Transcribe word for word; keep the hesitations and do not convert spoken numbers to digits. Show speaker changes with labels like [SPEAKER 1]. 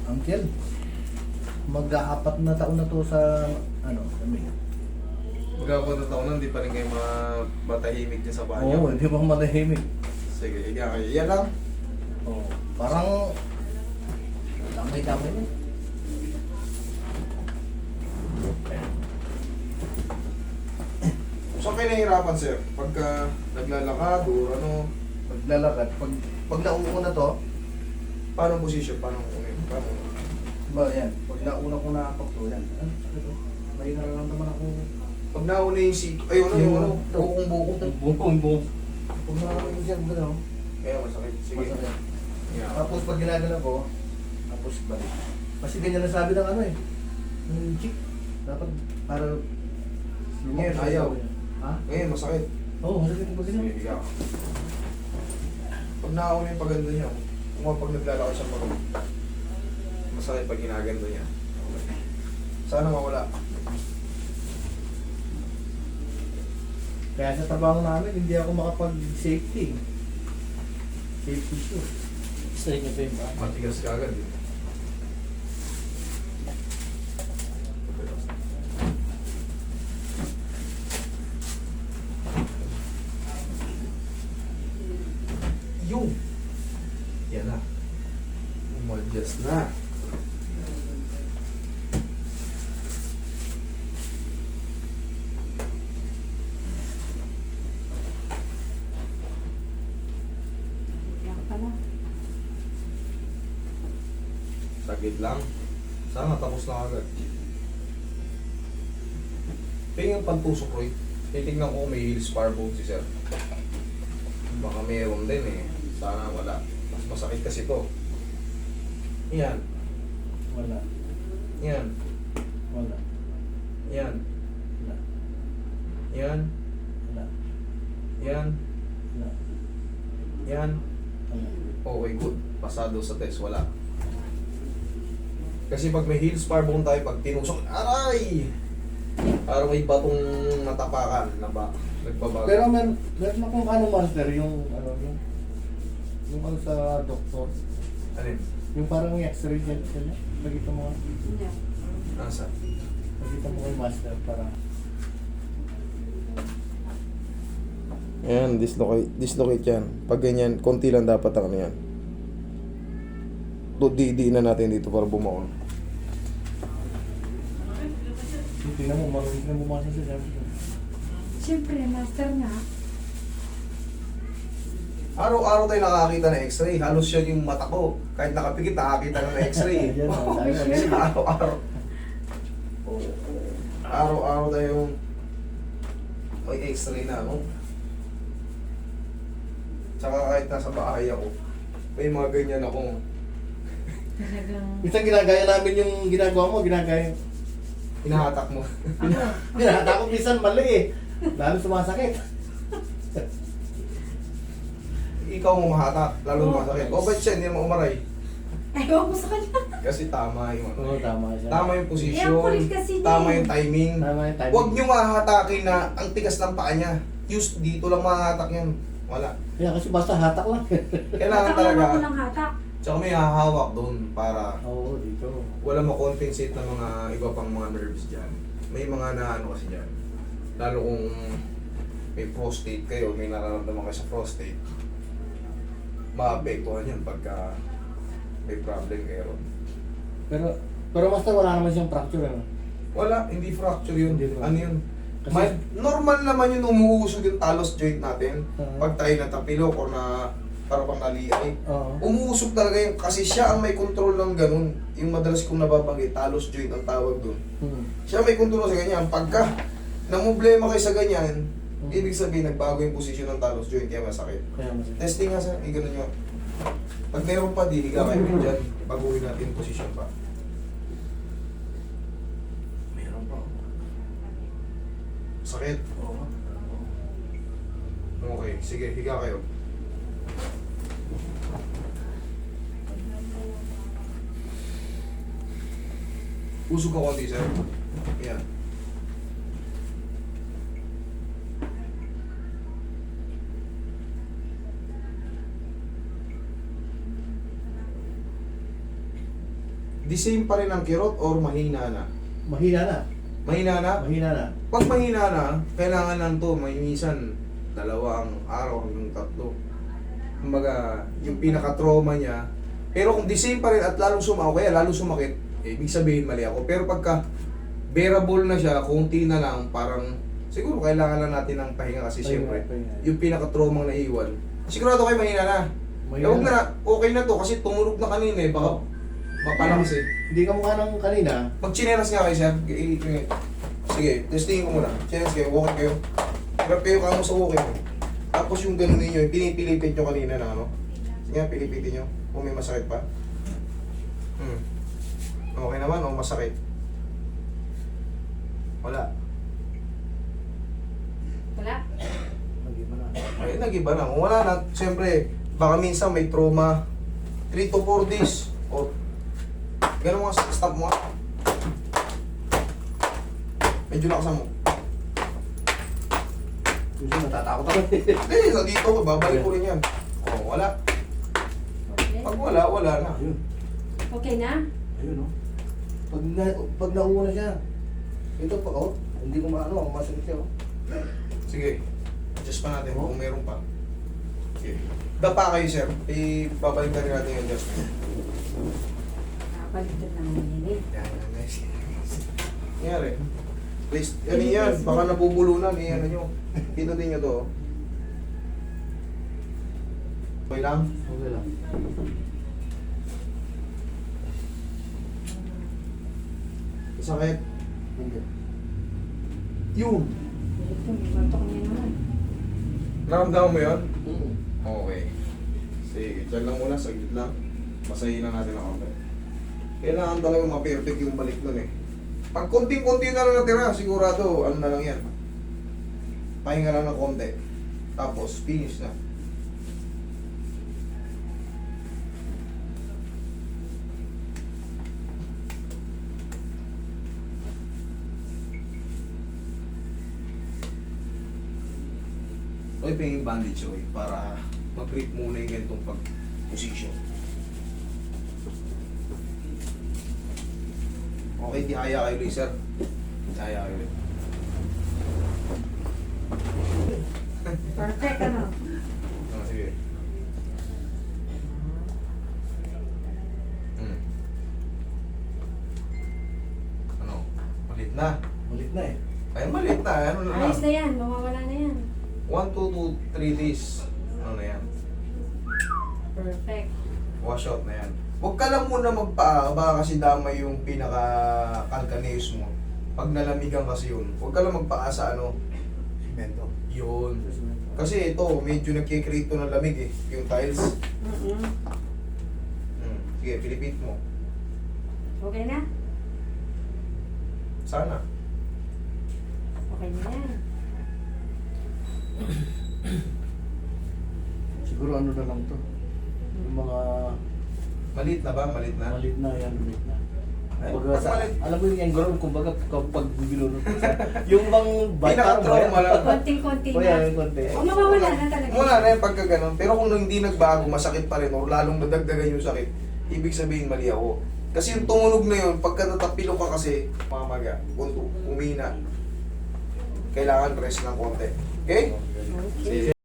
[SPEAKER 1] Uncle, mag-aapat na taon na to sa, ano, kami.
[SPEAKER 2] Magkakapunta na taon na, hindi pa rin kayo matahimik din sa
[SPEAKER 1] Oo,
[SPEAKER 2] banyo.
[SPEAKER 1] hindi pa manahimik.
[SPEAKER 2] Sige, higa kayo. Yan lang.
[SPEAKER 1] Oo, parang, damay-damay na.
[SPEAKER 2] Saan kayo nahihirapan, sir? Pagka naglalakad o ano,
[SPEAKER 1] Paglalakad, pag, pag nauuna na to,
[SPEAKER 2] paano ang position? Paano ang unin? Paano?
[SPEAKER 1] ba yan, pag nauna ko na ako to, yan. Ano, ano to? May nararamdaman ako.
[SPEAKER 2] Pag nauna yung si... Ay, ano yung ano? Bukong-bukong.
[SPEAKER 1] Bukong, bukong. Pag nauna ko dyan, gano'n.
[SPEAKER 2] Kaya masakit. Sige.
[SPEAKER 1] Masakit.
[SPEAKER 2] Yeah.
[SPEAKER 1] Tapos pag ginagano ko, tapos balik. Kasi ganyan ang sabi ng ano eh. Ng chick. Dapat para...
[SPEAKER 2] Ngayon, ayaw.
[SPEAKER 1] Ha?
[SPEAKER 2] Ngayon, masakit.
[SPEAKER 1] Oo, oh, masakit yung pag
[SPEAKER 2] Sige,
[SPEAKER 1] ganyan.
[SPEAKER 2] higa ka. Pag nauna yung paganda niya, kung pag naglalakad siya pag... Masakit pag ginaganda niya. Okay. Sana mawala.
[SPEAKER 1] Kaya sa trabaho namin, hindi ako makapag-safety. Safety shoe. Sa inyo ba yung ba?
[SPEAKER 2] Matigas ka agad. Eh. Yung! Yan na. Umadjust na.
[SPEAKER 3] Yan pala.
[SPEAKER 2] Saglit lang. Sana tapos na agad. Tingnan yung pantusok, Roy. Titignan ko kung may heel spar bone si sir. Baka mayroon din eh. Sana wala. Mas masakit kasi to. Yan.
[SPEAKER 1] Wala.
[SPEAKER 2] Yan.
[SPEAKER 1] Wala.
[SPEAKER 2] Yan.
[SPEAKER 1] Wala.
[SPEAKER 2] Yan.
[SPEAKER 1] Wala.
[SPEAKER 2] Yan.
[SPEAKER 1] Wala.
[SPEAKER 2] Yan.
[SPEAKER 1] Wala.
[SPEAKER 2] Okay, good. Pasado sa test. Wala. Kasi pag may heel spar bone tayo, pag tinusok, aray! Parang may batong natapakan na ba? Nagbabago.
[SPEAKER 1] Pero meron, meron akong ano master, yung ano, yung yung ano sa doktor.
[SPEAKER 2] Alin?
[SPEAKER 1] Yung parang yung x-ray dyan sila. Nakita mo nga.
[SPEAKER 3] Hindi.
[SPEAKER 2] Nasa?
[SPEAKER 1] Nakita mo kay master para.
[SPEAKER 2] Ayan, dislocate, dislocate yan. Pag ganyan, konti lang dapat ang ano yan. Di-di na natin dito para bumaon.
[SPEAKER 1] Tingnan mo, marunong na bumasa sa sabi ko.
[SPEAKER 3] Siyempre, master nga.
[SPEAKER 2] Araw-araw tayo nakakita ng x-ray. Halos yan yung mata ko. Kahit nakapikit, nakakita na ng x-ray.
[SPEAKER 1] Ayan,
[SPEAKER 2] Oh,
[SPEAKER 1] ayan, ayan.
[SPEAKER 2] kasi araw-araw. Araw-araw tayong may x-ray na, no? Tsaka kahit nasa bahay ako, may mga ganyan ako.
[SPEAKER 3] Talagang...
[SPEAKER 1] Minsan ginagaya namin yung ginagawa mo, ginagaya.
[SPEAKER 2] Hinahatak mo.
[SPEAKER 1] Ginahata ko minsan mali eh. Lalo sumasakit.
[SPEAKER 2] Ikaw mo mahatak, lalo
[SPEAKER 3] Oo.
[SPEAKER 2] masakit. O ba't siya, hindi mo umaray?
[SPEAKER 3] Ayaw ko sa kanya.
[SPEAKER 2] Kasi tama yung ano.
[SPEAKER 1] Oo, tama siya.
[SPEAKER 2] Tama yung
[SPEAKER 3] Eh, ang
[SPEAKER 2] posisyon,
[SPEAKER 3] kulit kasi niya
[SPEAKER 2] tama
[SPEAKER 3] eh.
[SPEAKER 2] yung timing.
[SPEAKER 1] Tama yung timing.
[SPEAKER 2] Huwag nyo mahatakin na ang tigas ng paa niya. Use dito lang mahahatak yan. Wala.
[SPEAKER 1] Kaya kasi basta hatak lang.
[SPEAKER 2] Kailangan
[SPEAKER 3] Hatak lang
[SPEAKER 2] talaga.
[SPEAKER 3] ako ng hatak.
[SPEAKER 2] Tsaka may hahawak doon para
[SPEAKER 1] Oo, dito.
[SPEAKER 2] wala makompensate ng mga iba pang mga nerves dyan. May mga naano kasi dyan. Lalo kung may prostate kayo, may nararamdaman kayo sa prostate, maapektuhan yan pagka may problem kayo ron.
[SPEAKER 1] Pero, pero master wala naman siyang fracture ano?
[SPEAKER 2] Wala, hindi fracture yun.
[SPEAKER 1] Hindi fracture.
[SPEAKER 2] Ano yun?
[SPEAKER 1] Kasi-
[SPEAKER 2] May, normal naman yun umuusog yung talos joint natin.
[SPEAKER 1] Uh-huh.
[SPEAKER 2] Pag tayo natapilok or na para pang naliay.
[SPEAKER 1] Oo.
[SPEAKER 2] Umuusog talaga yun kasi siya ang may control ng ganun. Yung madalas kong nababanggit, talos joint ang tawag doon.
[SPEAKER 1] Hmm.
[SPEAKER 2] Siya may control sa ganyan. Pagka namumblema kayo sa ganyan,
[SPEAKER 1] Hmm.
[SPEAKER 2] ibig sabihin nagbago yung posisyon ng talos joint kaya masakit.
[SPEAKER 1] Kaya masakit.
[SPEAKER 2] Testing nga sir, i-ganon nyo. Pag meron pa, di higa kayo dyan. Baguhin natin yung posisyon pa. Meron pa. Sakit.
[SPEAKER 1] Oo.
[SPEAKER 2] Okay, sige, higa kayo. Usog ka konti, sir. Yan. the same pa rin ang kirot or mahina na?
[SPEAKER 1] Mahina na.
[SPEAKER 2] Mahina na?
[SPEAKER 1] Mahina na.
[SPEAKER 2] Pag mahina na, kailangan lang to, may minsan, dalawang araw hanggang tatlo. Kumbaga, yung pinaka-trauma niya. Pero kung the same pa rin at lalong sumakit, kaya lalong sumakit, eh, ibig sabihin mali ako. Pero pagka bearable na siya, konti na lang, parang, siguro kailangan lang natin ng pahinga kasi
[SPEAKER 1] Pahinga,
[SPEAKER 2] siyempre,
[SPEAKER 1] pahinga.
[SPEAKER 2] yung pinaka-traumang naiwan. Sigurado kayo mahina na.
[SPEAKER 1] Mahina
[SPEAKER 2] Eh, huwag
[SPEAKER 1] na.
[SPEAKER 2] na, okay na to kasi tumunog na kanina eh, baka
[SPEAKER 1] Oo.
[SPEAKER 2] mapalakas eh.
[SPEAKER 1] Hindi ka mukha ng kanina.
[SPEAKER 2] Pag chinelas nga kayo, sir, i- i- sige, testingin ko muna. Chinelas kayo, walking kayo. Hirap kayo kamo sa walking. Tapos yung ganun ninyo, yung pinipilipit nyo kanina na ano. Sige nga, pilipitin nyo. Kung may masakit pa. Hmm. Okay naman o masakit? Wala.
[SPEAKER 3] Wala.
[SPEAKER 1] Mag-iba na.
[SPEAKER 2] Ay, nag-iba na. Kung wala na, siyempre, baka minsan may trauma. three to four days. O, ganun mga stop mo nga. Medyo lakasan mo.
[SPEAKER 1] Gusto natatakot ako.
[SPEAKER 2] Hindi, sa dito ko, babalik ko rin yan. O, wala.
[SPEAKER 3] Okay.
[SPEAKER 2] Pag wala, wala na.
[SPEAKER 1] Ayun.
[SPEAKER 3] Okay na?
[SPEAKER 1] Ayun, oh. Pag, na, pag nauuna siya, ito pa, oh. Hindi ko maano, ang masakit siya, oh.
[SPEAKER 2] Sige, adjust pa natin kung meron pa. Sige. Dapa kayo, sir. I-babalik na rin natin yung adjustment.
[SPEAKER 3] Kapalitan lang yun eh.
[SPEAKER 2] Yan, yan, nice. Nangyari. Please, yan yan. Baka nabubulunan. Eh, ano nyo. Pinutin nyo to. oh. Okay lang?
[SPEAKER 1] Okay lang.
[SPEAKER 2] Sakit.
[SPEAKER 1] Hindi. Yun.
[SPEAKER 3] Ito, may bantok niya naman.
[SPEAKER 2] Naramdaman mo yun?
[SPEAKER 1] Mm.
[SPEAKER 2] Okay. Sige, dyan lang muna, saglit lang. Masahin lang natin ang konti. Kailangan talaga ma-perfect yung balik nun eh. Pag konting-konti na lang natira, sigurado, ano na lang yan. Pahinga lang ng konti. Tapos, finish na. Okay pa yung bandage, oy, para mag-grip muna yung ganitong pag-position. Okay, di haya kayo ulit, sir. Di haya kayo ulit.
[SPEAKER 3] Perfect ano?
[SPEAKER 2] Ah, sige. Hmm. Ano? Malit na.
[SPEAKER 1] Malit na eh.
[SPEAKER 2] Ay, malit na. Ano na
[SPEAKER 3] Ayos
[SPEAKER 2] lang?
[SPEAKER 3] na yan, mawawala na yan.
[SPEAKER 2] one, two, two, three days. Ano na yan?
[SPEAKER 3] Perfect.
[SPEAKER 2] Wash out na yan. Huwag ka lang muna magpaa, baka kasi damay yung pinaka-calcaneus mo. Pag nalamigan kasi yun, huwag ka lang magpaa sa ano,
[SPEAKER 1] Cemento.
[SPEAKER 2] yun. Kasi ito, medyo nagkikreate to ng lamig eh, yung tiles.
[SPEAKER 3] Mm-mm.
[SPEAKER 2] Hmm. Sige, pilipit mo.
[SPEAKER 3] Okay na?
[SPEAKER 2] Sana.
[SPEAKER 3] Okay na yan.
[SPEAKER 1] Siguro ano na lang to. Yung mga
[SPEAKER 2] Malit na ba? Malit na?
[SPEAKER 1] malit na yan, malit na.
[SPEAKER 2] Ay,
[SPEAKER 1] Kumbaga
[SPEAKER 2] pag
[SPEAKER 1] sa,
[SPEAKER 2] malit.
[SPEAKER 1] alam mo yung angle, kumbaga kapag binunod ko sa, yung bang
[SPEAKER 2] Pinaka-trauma lang.
[SPEAKER 3] Konting-konti
[SPEAKER 1] O
[SPEAKER 3] na.
[SPEAKER 1] yan, yung konti.
[SPEAKER 3] O mawawala na talaga.
[SPEAKER 2] Wala na yung pagka ganun. Pero kung hindi nagbago, masakit pa rin o lalong nadagdagan yung sakit, ibig sabihin mali ako. Kasi yung tumunog na yun, pagka natapilo ka kasi, mamaga, kung umina, kailangan rest ng konti. Okay?
[SPEAKER 3] Okay.
[SPEAKER 2] Sige.